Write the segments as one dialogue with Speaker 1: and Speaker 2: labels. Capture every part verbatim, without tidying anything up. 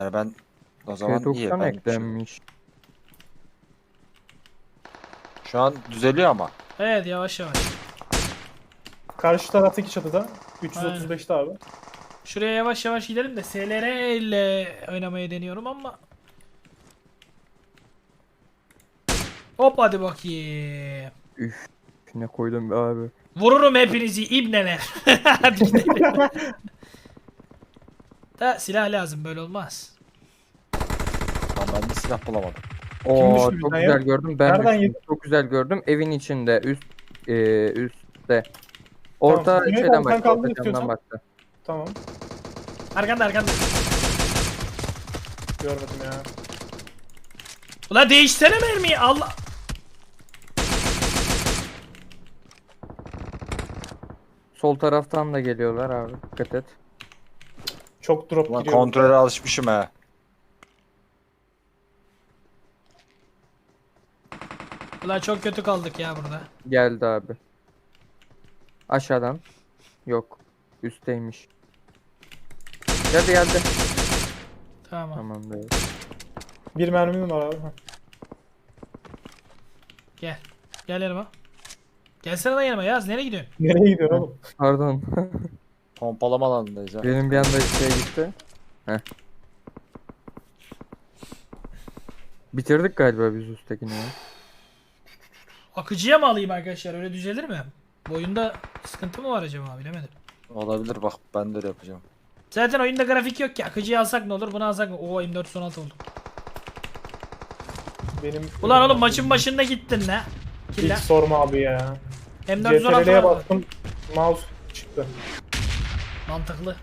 Speaker 1: Yani ben o zaman iyi.
Speaker 2: P doksan
Speaker 1: Ben şu,
Speaker 2: eklenmiş.
Speaker 1: şu an düzeliyor ama.
Speaker 3: Evet, yavaş yavaş.
Speaker 4: Karşı taraftaki çatıda.
Speaker 3: Aynen.
Speaker 4: üç yüz otuz beşte abi.
Speaker 3: Şuraya yavaş yavaş gidelim de S L R ile oynamayı deniyorum ama. Hop hadi bakayım.
Speaker 2: Üf. Ne koydum be abi.
Speaker 3: Vururum hepinizi ibneler. Hadi gidelim. Da silah lazım, böyle olmaz.
Speaker 1: Lan ben de silah bulamadım.
Speaker 2: Oo
Speaker 4: düştü
Speaker 2: çok
Speaker 4: bizden
Speaker 2: güzel
Speaker 4: ya?
Speaker 2: gördüm. Ben
Speaker 4: Nereden
Speaker 2: düştüm.
Speaker 4: yedin?
Speaker 2: Çok güzel gördüm. Evin içinde. Üst e, üstte. Orta
Speaker 4: Tamam. Cüneyt
Speaker 2: şeyden
Speaker 4: abi sen
Speaker 2: baktı.
Speaker 4: kaldın
Speaker 2: Orta
Speaker 4: istiyorsan.
Speaker 2: camdan baktı.
Speaker 4: Tamam.
Speaker 3: Arkanda arkanda.
Speaker 4: Görmedim ya.
Speaker 3: Ulan değişsene mermiyi, Allah.
Speaker 2: Sol taraftan da geliyorlar abi. Dikkat et.
Speaker 4: Çok drop
Speaker 1: Ulan
Speaker 4: giriyor.
Speaker 1: kontrole alışmışım he.
Speaker 3: Ulan çok kötü kaldık ya burada.
Speaker 2: Geldi abi. Aşağıdan. Yok. Üstteymiş. Geldi geldi.
Speaker 3: Tamam.
Speaker 2: Tamam be.
Speaker 4: Bir mermim var abi. Heh.
Speaker 3: Gel. Gel yanıma. Gelsene lan yanıma Yaz. Nereye gidiyorsun?
Speaker 4: Nereye gidiyorsun oğlum?
Speaker 2: Pardon.
Speaker 1: Pompalama alanındayız ha.
Speaker 2: Benim bir anda şey gitti. Heh. Bitirdik galiba biz üsttekini ya.
Speaker 3: Akıcıya mı alayım arkadaşlar? Öyle düzelir mi? Bu oyunda sıkıntı mı var acaba, bilemedim.
Speaker 1: Olabilir, bak ben de öyle yapacağım.
Speaker 3: Zaten oyunda grafik yok ki. Akıcıyı alsak ne olur? Bunu alsak ne? Oo, M dört yüz on altı oldu.
Speaker 4: Benim
Speaker 3: Ulan oğlum maçın başında gittin ne?
Speaker 4: hiç
Speaker 3: Killa.
Speaker 4: sorma abi ya.
Speaker 3: M dört yüz on altı
Speaker 4: C T R L'ye
Speaker 3: var.
Speaker 4: bastım. Mouse çıktı.
Speaker 3: Mantıklı.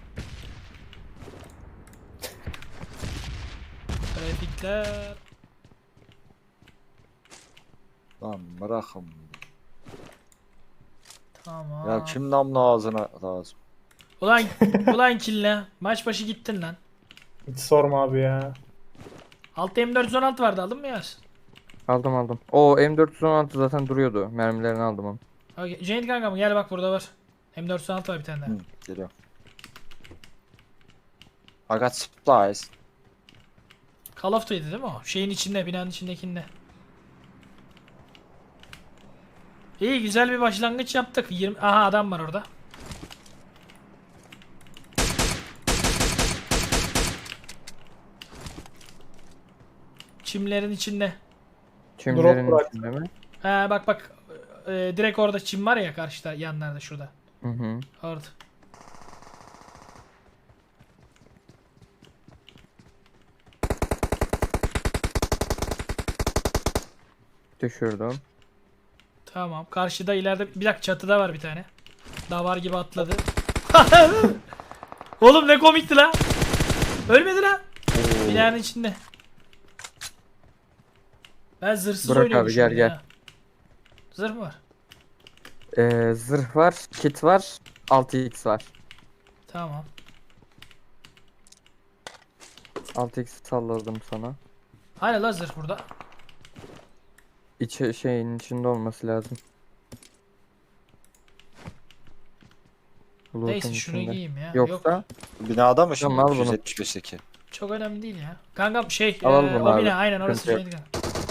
Speaker 3: Grafikler.
Speaker 1: Lan bırakın.
Speaker 3: Tamam.
Speaker 1: Ya kim namlu ağzına lazım?
Speaker 3: Ulan ulan killa. Maç başı gittin lan.
Speaker 4: Hiç sorma abi ya.
Speaker 3: Altta M dört yüz on altı vardı, aldın mı Yaz?
Speaker 2: Aldım aldım. O M dört yüz on altı zaten duruyordu. Mermilerini aldım onu.
Speaker 3: Okay. Cennet kankam gel bak, burada var. M dört yüz on altı var bir tane daha.
Speaker 1: Hı, geliyor. I got supplies.
Speaker 3: Call of Duty'di değil mi o? Şeyin içinde, binanın içindekinde. İyi, güzel bir başlangıç yaptık. yirmi Aha, adam var orada. Çimlerin içinde.
Speaker 2: Çimlerin
Speaker 4: bırak.
Speaker 2: içinde mi?
Speaker 3: Ha bak bak. Ee, direkt orada çim var ya, karşıda yanlarda şurada.
Speaker 2: Hı hı.
Speaker 3: Orada.
Speaker 2: Düşürdüm.
Speaker 3: Tamam. Karşıda ileride bir dakika, çatıda var bir tane. Davar gibi atladı. Oğlum ne komikti la. Ölmedi la. Binanın içinde. Ben zırhsız
Speaker 2: Burak abi,
Speaker 3: oynuyormuşum
Speaker 2: gel,
Speaker 3: ya.
Speaker 2: gel.
Speaker 3: Zırh mı var?
Speaker 2: Ee, zırh var, kit var, altı x var.
Speaker 3: Tamam.
Speaker 2: altı x salladım sana.
Speaker 3: Hani la zırh burada.
Speaker 2: İçi şeyin içinde olması lazım. Bulutun
Speaker 3: Neyse şunu
Speaker 2: içinde.
Speaker 3: giyeyim ya.
Speaker 2: Yoksa
Speaker 3: Yok,
Speaker 1: Binada mı şimdi?
Speaker 2: Tamam, al bunu.
Speaker 1: üç yüz yetmiş beşteki.
Speaker 3: çok önemli değil ya. Kankam şey,
Speaker 2: Alalım
Speaker 3: e,
Speaker 2: bunu
Speaker 3: o
Speaker 2: abi.
Speaker 3: bina aynen orası.
Speaker 2: Sıkıntı yok.
Speaker 3: Şeydi.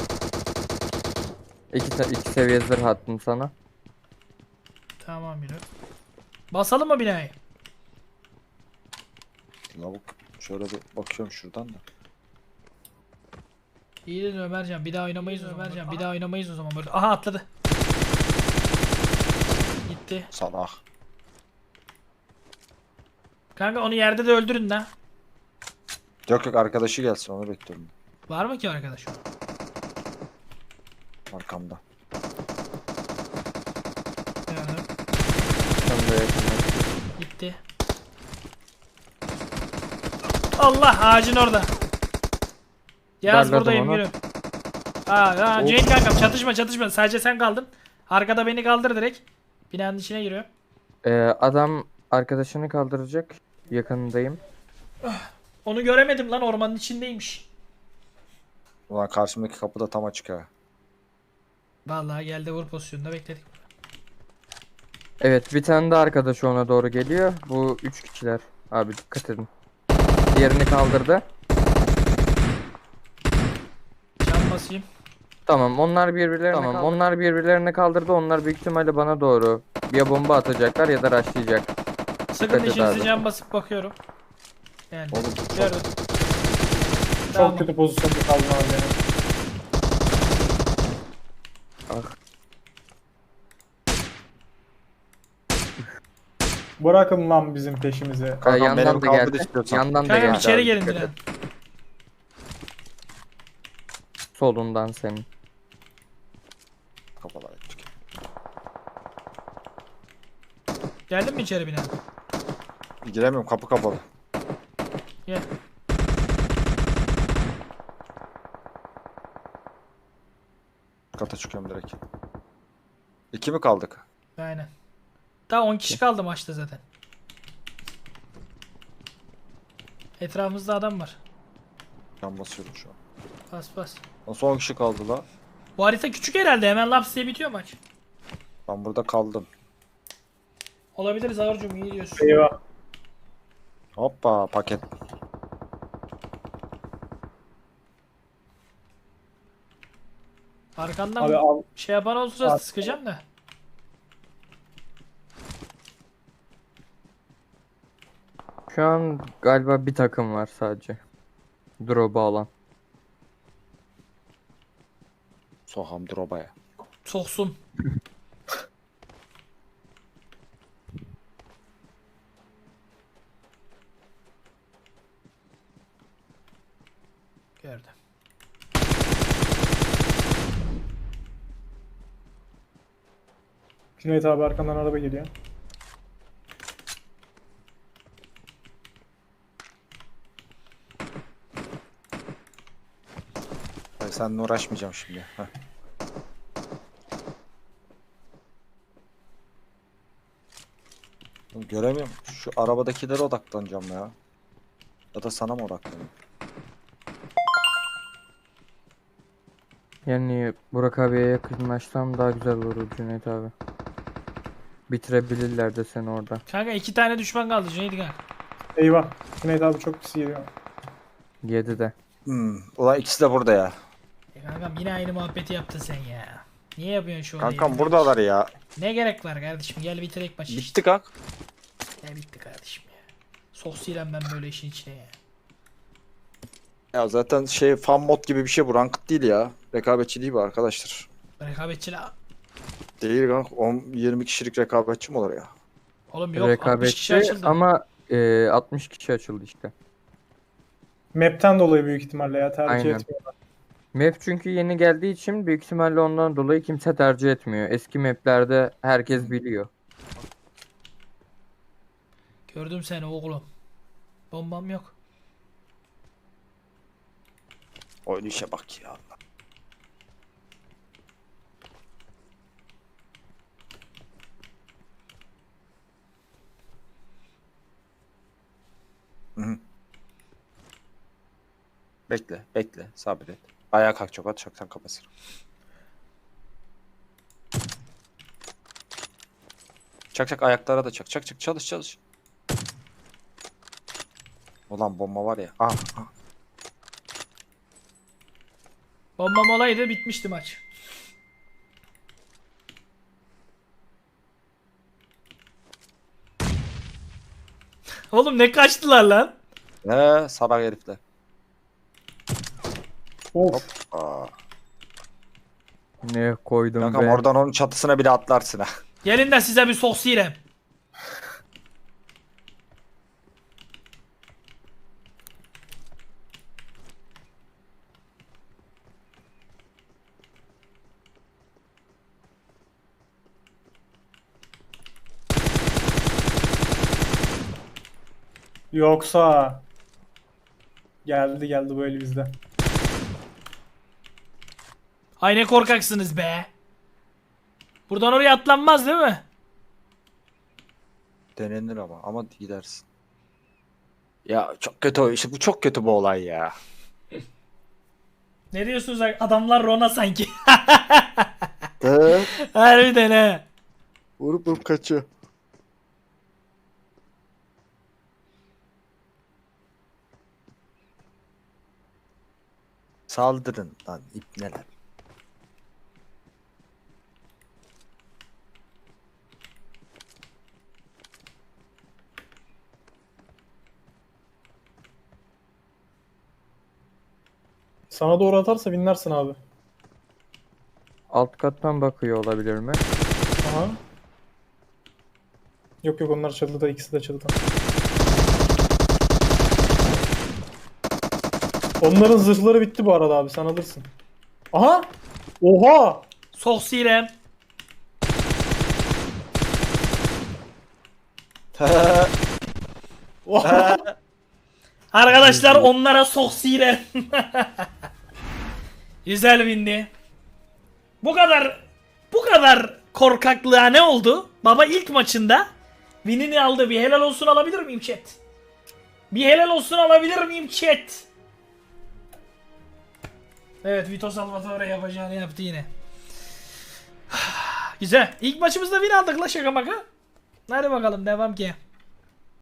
Speaker 2: iki, se- iki seviye zırh attım sana.
Speaker 3: Tamam biri. Basalım mı binayı?
Speaker 1: Lavuk. Şöyle bir bakıyorum şuradan da.
Speaker 3: İyi dedin Ömercan. Bir daha oynamayız o zaman. Ömercan bir daha oynamayız o zaman böyle. Aha atladı. Gitti.
Speaker 1: Salak.
Speaker 3: Kanka onu yerde de öldürün lan.
Speaker 1: Yok yok, arkadaşı gelsin, onu bekliyorum.
Speaker 3: Var mı ki arkadaş?
Speaker 1: Arkamda.
Speaker 3: Yani
Speaker 2: Sen de yakınlaş.
Speaker 3: gitti. Allah, ağacın orada. Yaz
Speaker 2: Darladım
Speaker 3: buradayım,
Speaker 2: onu.
Speaker 3: gülüm. Aa, aa
Speaker 2: Of.
Speaker 3: Cenk kankam çatışma çatışma. Sadece sen kaldın. Arkada beni kaldır direkt. Binanın içine giriyor.
Speaker 2: Ee, adam arkadaşını kaldıracak. Yakınındayım.
Speaker 3: Onu göremedim lan, ormanın içindeymiş.
Speaker 1: Ulan karşımdaki kapı da tam açık ha.
Speaker 3: Vallahi geldi, vur pozisyonunda bekledik.
Speaker 2: Evet, bir tane de arkadaşı ona doğru geliyor. Bu üç kişiler. Abi dikkat edin. Diğerini kaldırdı. Tamam onlar birbirlerine tamam, kaldırdı. Onlar birbirlerine kaldırdı. Onlar büyük ihtimalle bana doğru ya bomba atacaklar ya da rushlayacak.
Speaker 3: Sakın
Speaker 2: et
Speaker 3: işinizi
Speaker 2: abi.
Speaker 3: can basıp bakıyorum. Yani
Speaker 1: Oğlum çok-
Speaker 3: gördüm.
Speaker 4: Çok
Speaker 3: Tamam.
Speaker 4: kötü pozisyonda kaldım abi ya.
Speaker 2: Ah.
Speaker 4: Bırakın lan bizim peşimizi.
Speaker 2: Ee,
Speaker 1: Kankam,
Speaker 2: yandan
Speaker 1: benim
Speaker 2: da
Speaker 1: kaldır
Speaker 2: geldi.
Speaker 1: istiyorsan.
Speaker 2: Yandan da
Speaker 3: Kankam
Speaker 2: geldi.
Speaker 3: içeri
Speaker 2: abi,
Speaker 3: gelin
Speaker 2: dikkat
Speaker 3: Diren.
Speaker 2: et. Solundan senin.
Speaker 1: Kafalar ettik.
Speaker 3: Geldin mi içeri bina?
Speaker 1: Giremiyorum, kapı kapalı.
Speaker 3: Gel.
Speaker 1: Kata çıkıyorum direkt. İki mi kaldık?
Speaker 3: Aynen. Daha on kişi kaldı maçta zaten. Etrafımızda adam var.
Speaker 1: Can basıyorum şu an.
Speaker 3: Bas bas.
Speaker 1: Nasıl on kişi kaldı la?
Speaker 3: Bu harita küçük herhalde. Hemen laps diye bitiyor maç.
Speaker 1: Ben burada kaldım.
Speaker 3: Olabiliriz Ağırcığım, iyi diyorsun.
Speaker 4: Eyvah.
Speaker 1: Hoppa paket.
Speaker 3: Arkandan
Speaker 4: Abi al.
Speaker 3: şey yapan olursa
Speaker 4: Abi-
Speaker 3: sıkacağım da.
Speaker 2: Şu an galiba bir takım var sadece. Drop'u alan.
Speaker 1: Soham drobaya.
Speaker 3: Soksun. Gördüm.
Speaker 4: Cüneyt abi arkandan araba geliyor.
Speaker 1: Hayır, seninle uğraşmayacağım şimdi. Heh. Oğlum, göremiyorum. Şu arabadakilere odaklanacağım ya. Ya da sana mı odaklanayım?
Speaker 2: Yani Burak abiye yakınlaşsam daha güzel olur Cüneyt abi. Bitirebilirler de seni orada.
Speaker 3: Kanka iki tane düşman kaldı Cüneyt kanka.
Speaker 4: Eyvah. Cüneyt abi çok pis geliyor.
Speaker 2: yedi de.
Speaker 1: Hmm. Ulan ikisi de burada ya.
Speaker 3: E kankam yine aynı muhabbeti yaptın sen ya. Niye yapıyorsun şu olayı?
Speaker 1: Kankam buradalar ya.
Speaker 3: Ne gerek var kardeşim, gel bitirek maçı işte.
Speaker 1: Bitti kank.
Speaker 3: Ne bitti kardeşim ya. Sosyalem ben böyle işin içine ya.
Speaker 1: Ya zaten şey fan mod gibi bir şey bu. Ranked değil ya. Rekabetçi değil bu arkadaşlar.
Speaker 3: Rekabetçi la.
Speaker 1: Değil kank. on yirmi kişilik rekabetçi mi olur ya?
Speaker 3: Oğlum yok, altmış kişi
Speaker 2: Rekabetçi
Speaker 3: açıldı.
Speaker 2: ama e, altmış kişi açıldı işte.
Speaker 4: Map'ten dolayı büyük ihtimalle ya tercih
Speaker 2: Aynen.
Speaker 4: etmiyorlar.
Speaker 2: Map çünkü yeni geldiği için büyük ihtimalle ondan dolayı kimse tercih etmiyor. Eski maplerde herkes biliyor.
Speaker 3: Gördüm seni oğlum. Bombam yok.
Speaker 1: Oyun işe bak ya. Hı hı. Bekle, bekle, sabret. Ayağa kalk, çok at, çoktan kapatır. Çak çak, ayaklara da çak, çak çak, çalış çalış. Ulan bomba var ya. Ah, ah.
Speaker 3: Bombam olaydı bitmişti maç. Oğlum ne kaçtılar lan?
Speaker 1: Ne sabah herifler.
Speaker 4: Of.
Speaker 1: Aa.
Speaker 2: Ne koydum
Speaker 1: Kankam
Speaker 2: be.
Speaker 1: oradan onun çatısına bile atlarsın ha.
Speaker 3: Gelin de size bir sosyalem.
Speaker 4: Yoksa geldi geldi böyle bizde.
Speaker 3: Ay ne korkaksınız be. Buradan oraya atlanmaz değil mi?
Speaker 1: Denenir ama ama gidersin. Ya çok kötü o işte, bu çok kötü bu olay ya.
Speaker 3: Ne diyorsunuz adamlar Rona sanki.
Speaker 1: De
Speaker 3: Harbiden he.
Speaker 1: vurup vurup kaçıyor. Saldırın lan ipneler.
Speaker 4: Sana doğru atarsa binlersin abi.
Speaker 2: Alt kattan bakıyor olabilir mi?
Speaker 4: Aha. Yok yok onlar çatıda, ikisi de çatıda. Onların zırhları bitti bu arada abi, sen alırsın. Aha! Oha!
Speaker 3: Sok sirem.
Speaker 4: Oha!
Speaker 3: Arkadaşlar onlara sok sirem. Güzel bindi. Bu kadar bu kadar korkaklığa ne oldu? Baba ilk maçında winini aldı. Bir helal olsun alabilir miyim chat? Bir helal olsun alabilir miyim chat? Evet, Vito Salvatore yapacağını yaptı yine. Güzel. İlk maçımızda win aldık la, şaka maka. Hadi bakalım devam ki.